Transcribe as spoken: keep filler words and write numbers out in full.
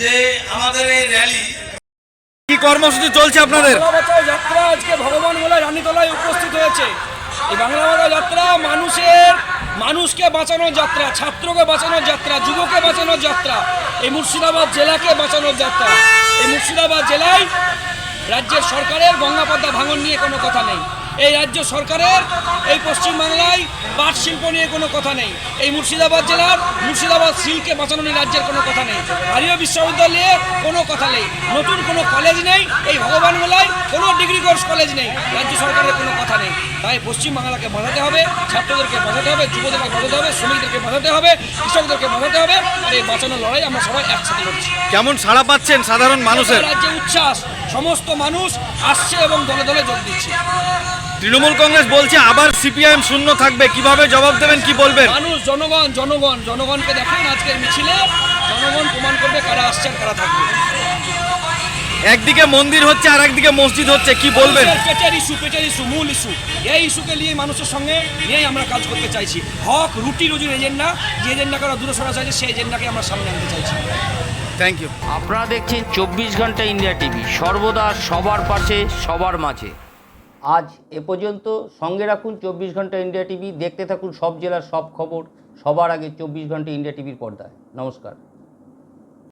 যে আমাদের এই র্যালি কি কর্মসূচি চলছে আপনাদের? বাংলা বাঁচাও যাত্রা আজকে ভগবান গোলায় রানীতলায় উপস্থিত হয়েছে। এই বাংলা বাঁচাও যাত্রা মানুষের মানুষকে বাঁচানোর যাত্রা, ছাত্রকে বাঁচানোর যাত্রা, যুবকে বাঁচানোর যাত্রা, এই মুর্শিদাবাদ জেলাকে বাঁচানোর যাত্রা। এই মুর্শিদাবাদ জেলায় রাজ্যের সরকারের গঙ্গাপদ্মা ভাঙন নিয়ে কোনো কথা নেই। এই রাজ্য সরকারের এই পশ্চিমবাংলায় পাট শিল্প নিয়ে কোনো কথা নেই। এই মুর্শিদাবাদ জেলার মুর্শিদাবাদ সিল্ককে বাঁচানো নিয়ে রাজ্যের কোনো কথা নেই। আরিয়া বিশ্ববিদ্যালয়ে কোনো কথা নেই। নতুন কোনো কলেজ নেই। এই ভগবানগোলায় কোনো ডিগ্রি কোর্স কলেজ নেই। রাজ্য সরকারের কোনো কথা নেই। তাই পশ্চিমবাংলাকে বাঁচাতে হবে, ছাত্রদেরকে বাঁচাতে হবে, যুবদেরকে বাঁচাতে হবে, শ্রমিকদেরকে বাঁচাতে হবে, কৃষকদেরকে বাঁচাতে হবে। আর এই বাঁচানোর লড়াই আমরা সবাই একসাথে লড়ছি। কেমন সাড়া পাচ্ছেন সাধারণ মানুষের? রাজ্যে উচ্ছ্বাস, সমস্ত মানুষ আসছে এবং দলে দলে যোগ দিচ্ছে। তৃণমূল কংগ্রেস বলছে আবার সিপিআইএম শূন্য থাকবে, কিভাবে জবাব দেবেন, কি বলবেন? মানুষ, জনগণ জনগণ জনগণকে দেখেন আজকের মিছিলে, জনগণ প্রমাণ করবে কারা আসছে আর কারা থাকবে। একদিকে মন্দির হচ্ছে আর একদিকে মসজিদ হচ্ছে, কি বলবেন? পেটের ইস্যু, পেটের ইস্যু, মূল ইস্যু। এই ইস্যুকে নিয়ে মানুষের সঙ্গে নিয়েই আমরা কাজ করতে চাইছি। হক, রুটি রুজির এজেন্ডা, যে এজেন্ডাকে আমরা দূরে সরা চাইছি সেই এজেন্ডাকে আমরা সামনে আনতে চাইছি। Thank you. আপনারা দেখছেন চব্বিশ ঘন্টা ইন্ডিয়া টিভি, সর্বদা সবার পাশে সবার মাঝে। আজ এ পর্যন্ত। সঙ্গে রাখুন চব্বিশ ঘন্টা ইন্ডিয়া টিভি, দেখতে থাকুন সব জেলার সব খবর সবার আগে চব্বিশ ঘন্টা ইন্ডিয়া টিভির পর্দায়। নমস্কার।